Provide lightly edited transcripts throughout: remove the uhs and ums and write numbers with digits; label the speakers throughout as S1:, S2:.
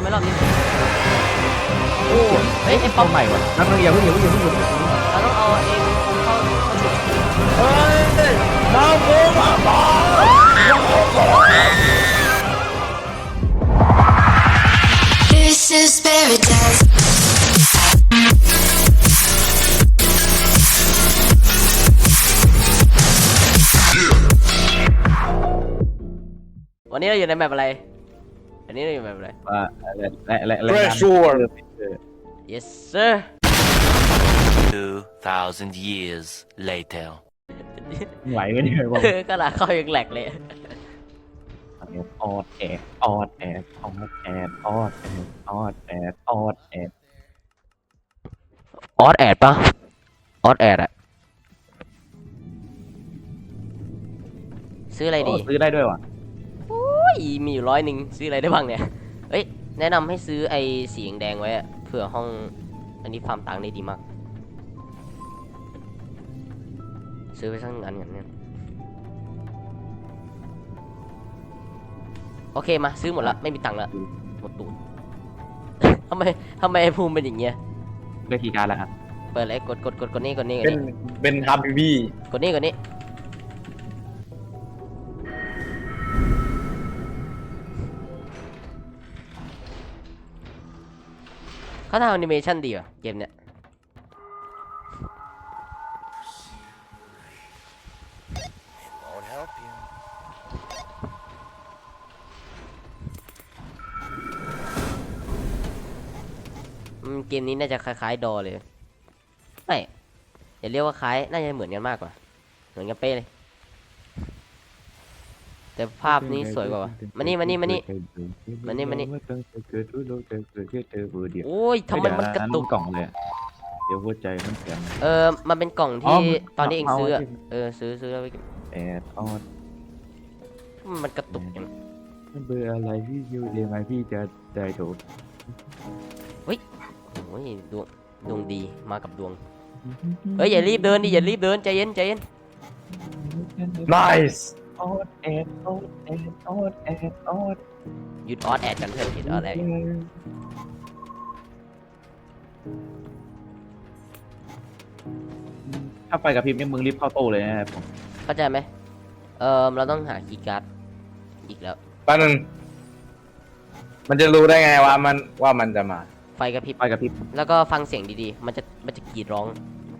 S1: ำไมรอบนี้โอ้เฮ้ยไอ้ป๊อป
S2: ใหม่วะนั่งอย่าเพิ่ง
S1: เราต้องเอาเองเข้าจุด
S2: เฮ้ยน้ำกูมาบ้า
S3: This is paradise.
S1: วันนี้เราอยู่ในแมปอะไรอันนี้เราอยู่ในแมปอะไร
S2: อะไร
S4: Pressure
S1: yes sir
S5: 2,000 years later
S2: ไหวไหมเนี่ยบอก
S1: กระดาษเข้ายังแหลกเลย
S2: ออดแอดออดแอดออดแอดออดแอดออดแอดออดแอด
S1: ออสแอดปะออสแอดอะซื้ออะไรดี
S2: ซื้อได้ด้วยวะ
S1: โอ้ยมีอยู่100ซื้ออะไรได้บ้างเนี่ยเอ้ยแนะนำให้ซื้อไอ้สีแดงไว้อะเผื่อห้องอันนี้ฟาร์มตังค์ได้ดีมากซื้อไปสักอันกันเนี่ยโอเคมาซื้อหมดละไม่มีตังค์ละหมดตูด ทำไมไอ้ภูมิเป็นอย่างเงี้ย
S2: ได้ทีการแล้วอ่ะ
S1: เปิดเลยกดนี่
S4: เป็นฮับบี้
S1: กดนี่เขาทำแอนิเมชันดีว่ะเกมเนี้ยเกมนี้น่าจะคล้ายๆดอเลยไม่อย่าเรียกว่าคล้ายน่าจะเหมือนกันมากกว่าเหมือนกันเป๊ะเลยแต่ภาพนี้สวยกว่ามานี่โอ้ยทำไมมันกระตุก
S2: กล่องเลยเดี๋ยวหัวใจมันเสียง
S1: มันเป็นกล่องที่ตอนนี้เองซื้อซื้อแล้ว
S2: แอดออด
S1: มันกระตุกอย่าง
S2: เบอร์อะไรพี่ยูเรียนมาพี่จะได้โดด
S1: โอ้ยดวงดีมากับดวงเฮ้ยอย่ารีบเดินใจเย็น
S4: nice
S2: ออดแอดออดแอดออดแอดออด
S1: หยุดออดแอดกันเถอะหยุดออดแอด
S2: ถ้าไปกับพิมพ์เนี่ยมึงรีบเข้าตู้เลยนะครับผม
S1: เข้าใจไหมเราต้องหาคีย์การ์ดอีกแล้ว
S4: แป๊บนึงมันจะรู้ได้ไงว่ามันจะมา
S1: ไฟกระพริบ
S2: ไปกับพิมพ์
S1: แล้วก็ฟังเสียงดีๆมันจะกรีดร้อง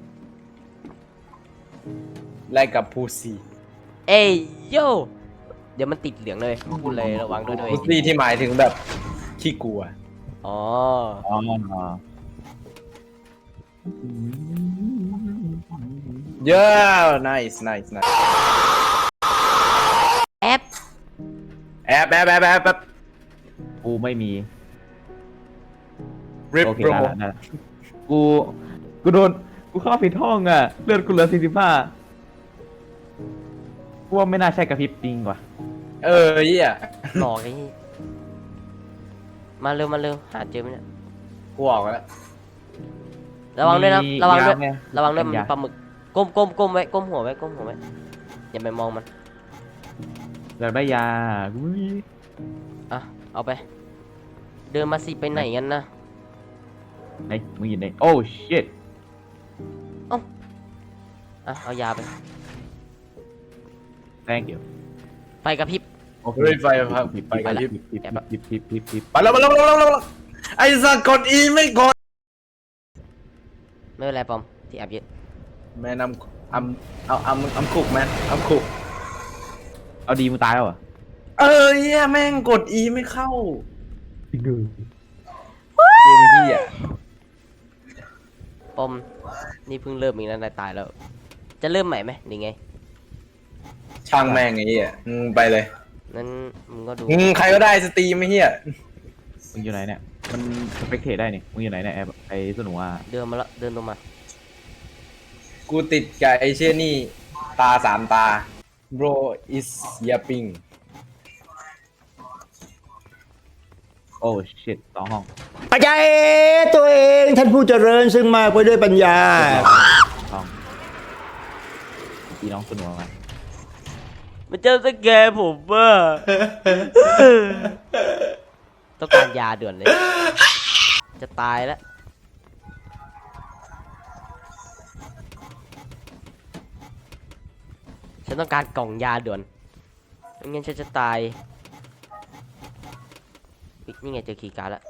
S4: แลกกับพูซี่
S1: เอ้ยโยเดี๋ยวมันติดเหลืองเลยพูดเลยระวังด้วย
S4: พูซี่ที่หมายถึงแบบขี้กลัว
S1: อ๋อ
S2: อ๋อ
S4: เยอะ nice
S1: แอป
S4: แอบ
S2: กูไม่มี
S4: rip
S2: โอเค
S4: bro
S2: ได้ละกูโดนกูเข้าผิดห้องอ่ะเลือดกูเหลือ45กูว่าไม่น่าใช่กระพริบจริงว่ะ
S4: เหี้ย
S1: หลอกไอ้นี่มาเร็วหาเจอไหมเนี่ย
S4: กูออกแล้ว
S1: ระวังด้วยนะระวังด้วย
S2: มี
S1: มันมีปลาหมึกก้มไว้ก้มหัวไว้อย่าไปมองมัน
S2: อยากได้ยากูไม่มี
S1: อ่ะเอาไปเดินมาสิไปไหนกันนะ
S2: ไหนมึงอยู่ไหนโอ้ shit
S1: อ่ะเอายาไป
S2: thank you
S1: ไฟกระพริบ
S2: โอเค
S4: เฮ้ยไฟครับ
S2: พิบ
S4: ไปกันยิบ
S2: พิบ
S4: ไปแล้วไอ้สัตว์กด E ไม่กด
S1: ไม่เป็นไรปอมที่แอบยึด
S4: แม่นำคุกแมนอำคุก
S2: เอาดีมึงตายแล้วเหรอ
S4: เหี้ยแม่งกด E ไม่เข้า
S2: ดู
S4: เกมเหี้ย
S1: ปอมนี่เพิ่งเริ่มอีกนะนายตายแล้ว จะเริ่มใหม่ไหมนี่ไง
S4: ช่างแม่งไอ้เหี้ยไปเลย
S1: นั้นมึงก็ดู
S4: ใครก็ได้สตรีมไอ้เหี้ย
S2: มึงอยู่ไหนเนี่ยมันสเปกเทได้นี่มึงอยู่ไหนเนี่ยไอ้สนุกอ่ะ
S1: เดินมาละเดินลงมา
S4: กูติดกับไอ้เชี่ยนี่ตา3 ตา bro is yapping
S2: โอ้ shit 2 ห้อง
S6: ปัจจัยตัวเองท่านผู้เจริญซึ่งมากไปด้วยปัญญา
S2: ห้องพี่น้องสนุกไหม
S1: มันจะสแกนผมว่า ตต้องการยาด่วนเลย จะตายแล้ว ฉันต้องการกล่องยาด่วนไม่งั้นฉันจะตายอุ๊ยนี่ไงเจอคีย์การ์ดแล้ว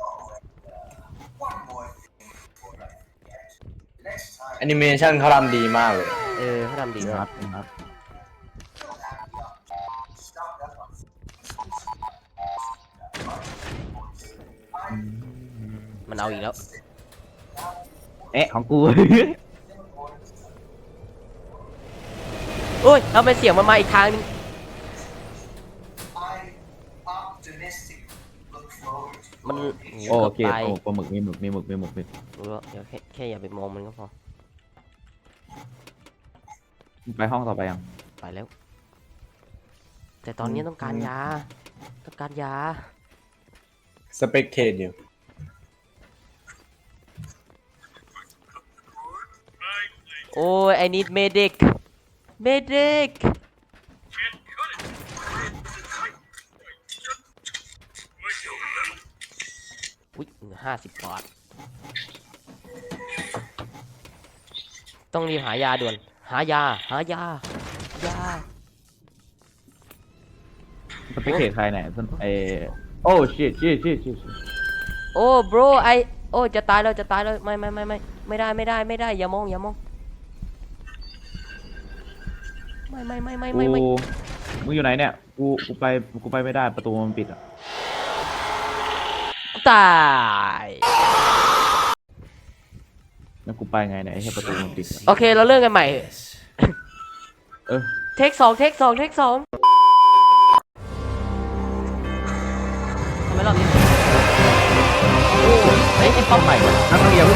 S4: แอนิเมชันเขาทำดีมากเลย
S1: เขาทำดี
S2: ค
S1: มา
S2: รั
S1: ก
S2: บครับ
S1: มันเอาอีกแล้ว
S2: เอ๊ะของกู
S1: โอ้ยเอาไปเสียงมันมาอีกทางนึง มัน
S2: โอเค
S1: ตาย
S2: โอ้ปลาหมึกมีหมึกมีหมึกมีหมึกมี
S1: รู้แล้วเดี๋ยวแค่อย่าไปมองมันก็พอ
S2: ไปห้องต่อไปยัง
S1: ไปแล้ว แต่ตอนนี้ต้องการยา ต้องการยา
S4: สเปกเทนอยู่
S1: โอ้ย I need medic medic อุ๊ย50 บาท ต้องรีบหายาด่วน หายา หายา ยา
S2: สเปคเทใครเนี่ยโอ้ชิต
S1: โอ้ bro โอ้ จะตายแล้ว จะตายแล้ว ไม่ได้ อย่ามอง ไม่
S2: กูมึงอยู่ไหนเนี่ยกูไปไม่ได้ประตูมันปิดอ่ะ
S1: ตาย
S2: แล้วกูไปไงเนี่ยไอ้แค่ประตูมันปิดอะ
S1: โอเค เราเริ่มกันใหม่
S2: เออ
S1: เทคสองทำไมรอบนี้โอ้เฮ้ยไอ้ป้อมใหม่
S2: นั่งเรียน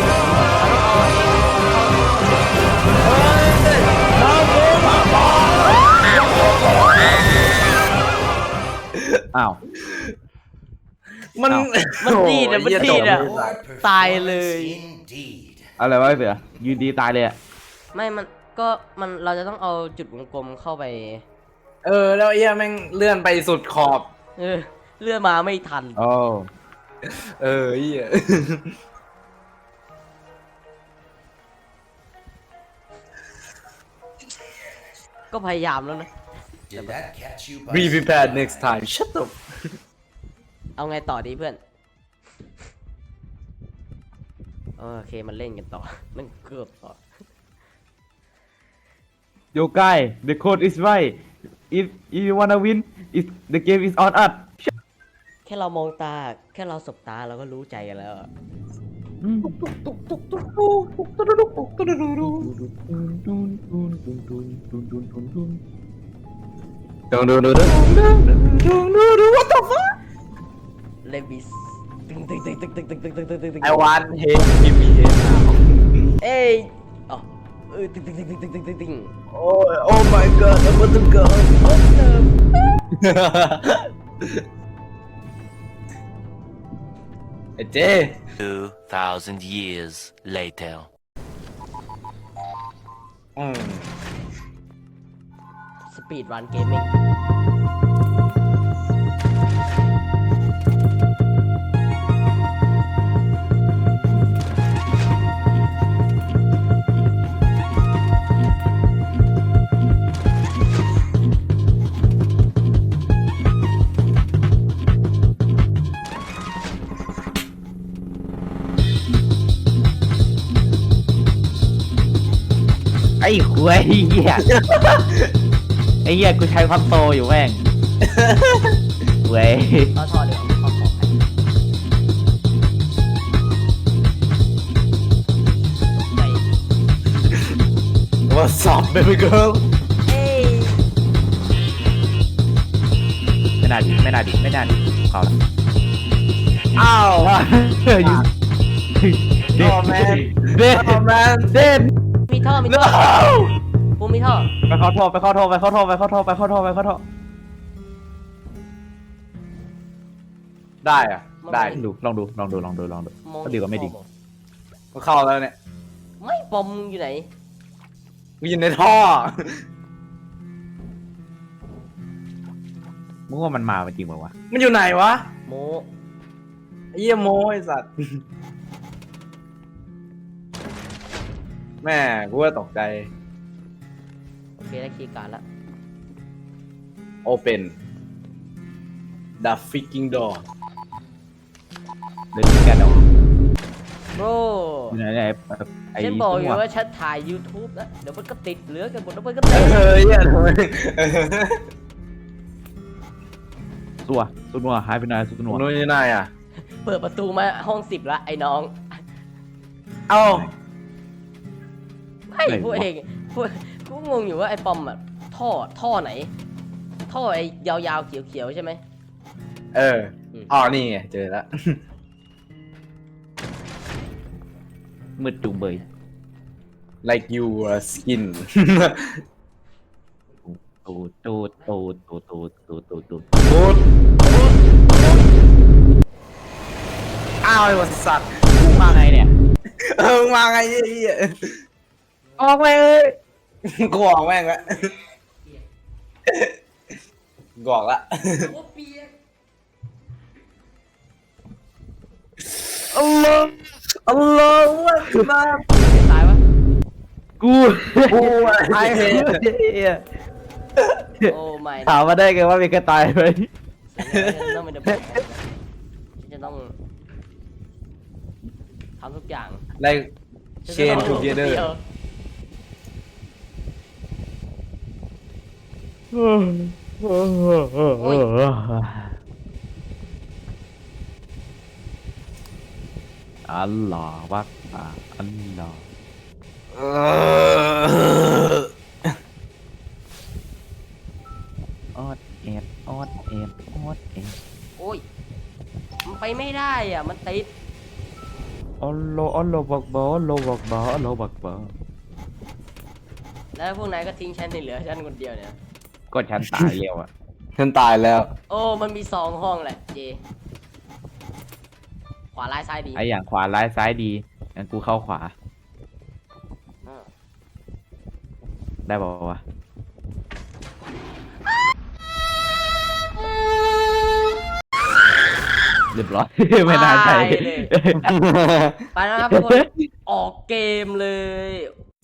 S2: อ้าว
S4: มัน
S1: มันดีดอะมันดีดอะตายเลย
S2: อะไรวะไอ้เสือยืนดีตายเลยอ่ะ
S1: ไม่ เราจะต้องเอาจุดวงกลมเข้าไป
S4: แล้วเอี้ยแม่งเลื่อนไปสุดขอบ
S1: เลื่อนมาไม่ทัน
S2: โอ้
S4: เอี้ย
S1: ก็พยายามแล้วนะ
S5: Did that catch you by
S4: be prepared next time shut up
S1: เอาไงต่อดีเพื่อน โอเค มันเล่นกันต่อ มันเกือบต่อ
S2: Yo guy the code is right if you wanna win the game is on us
S1: แค่เรามองตา แค่เราสบตาเราก็รู้ใจกันแล้วอะ เลวิสตึง
S4: I want hate give me hate
S1: เอ้ยอ๋อตึง
S4: oh my god I want to go ไอ้เจ
S5: 2,000 years later.
S1: สปีดรันเกมมิ่ง
S2: ไอ้หวยเหี้ยไอ้เหี้ยกูใช้ความโตอยู่แม่งหวย
S1: ก็ทอเดี๋ยวขอไป
S4: what's up baby girl
S1: เอ้ย
S2: ไม่น่าดิเขาละ
S4: อ้าว
S2: เด็ด
S4: Oh man
S2: เด็ด
S4: oh man
S2: เด็ด
S1: มีท่อกูมีท่อ
S2: ไปเข้าท่อ
S4: ได้อะได้
S2: ลองดู
S1: มอง
S2: ก็ดีกว่าไม่ดี
S4: ก็เข้าแล้วเนี่ย
S1: ไม่ปอมอยู่ไหน
S4: กูอยู่ในท่อ
S2: มึงว่ามันมาจริงเปล่าวะ
S4: มันอยู่ไหนวะ
S1: โม
S4: เยี่ยโมไอสัตว์ แม่กูว่าตกใจ
S1: โอเคได้คีย์การ์ดละ
S4: Open the freaking door
S2: เดินกันออก
S1: โบร
S2: อยู่ไหนเนี่ยไอ้
S1: ฉันบอกอยู่
S2: ตัว
S1: ว่าฉันถ่าย YouTube แล้วเดี๋ยวมันก็ติดเหลือกันหมดแล้วมันก็ติด
S4: เหี้ยทำไม
S2: ตัวสุนัวหายไปไหนสุนัว
S4: นู้นนี่นายอ่ะ
S1: เปิดประตูมาห้อง10ละไอ้น้อง
S4: เอ้า
S1: ไม่พวกเองพวกกูงงอยู่ว่าไอ้ปอมอะท่อไหน ท่อไอ้ยาวๆเขียวๆใช่ไหม
S4: เอออ๋อนี่ไงเจอแล้ว
S2: มืดจุงเบย
S4: like your skin
S2: ตูด
S4: บูดอ้าวไอ้วัสัตว์
S2: กูมาไงเนี่ย
S4: มึงมาไงเหี้ย
S2: ออกไปเลย
S4: กูออกแม่งละกูออกละ อัลลอฮ์อัลลอฮ์วะมา
S1: ตายวะ
S2: กู
S4: กูไอ้
S1: โอ้ไม่
S2: ถามมาได้ไงว่ามีกระต่ายไหม
S1: ฉันต้องเป็นเดอะแบกฉันจะต้องทำทุกอย่าง
S4: ไล่เชนทูเกเดอร์
S2: อัลลอฮ์วักอัลลอฮ์ออดเอ็ด
S1: โอ้ยมันไปไม่ได้อ่ะมันติด
S2: อัลลอฮ์บักบออัลลอฮ์บักบออัลลอฮ์บักบอ
S1: แล้วพวกนายก็ทิ้งฉันในเหลือฉันคนเดียวเนี่ย
S2: ก็ฉันตายเร็วอ่ะ
S4: ฉันตายแล้ว
S1: โอ้มันมี2ห้องแหละเจขวาร้ายซ้ายดี
S2: ไออย่างขวาร้ายซ้ายดีงั้นกูเข้าขวา
S1: อ่า
S2: ได้บอกว่าวะเรียบร้อย ไม่น่าใช่
S1: ตายเลย ไปนะครับทุกคนออกเกมเลย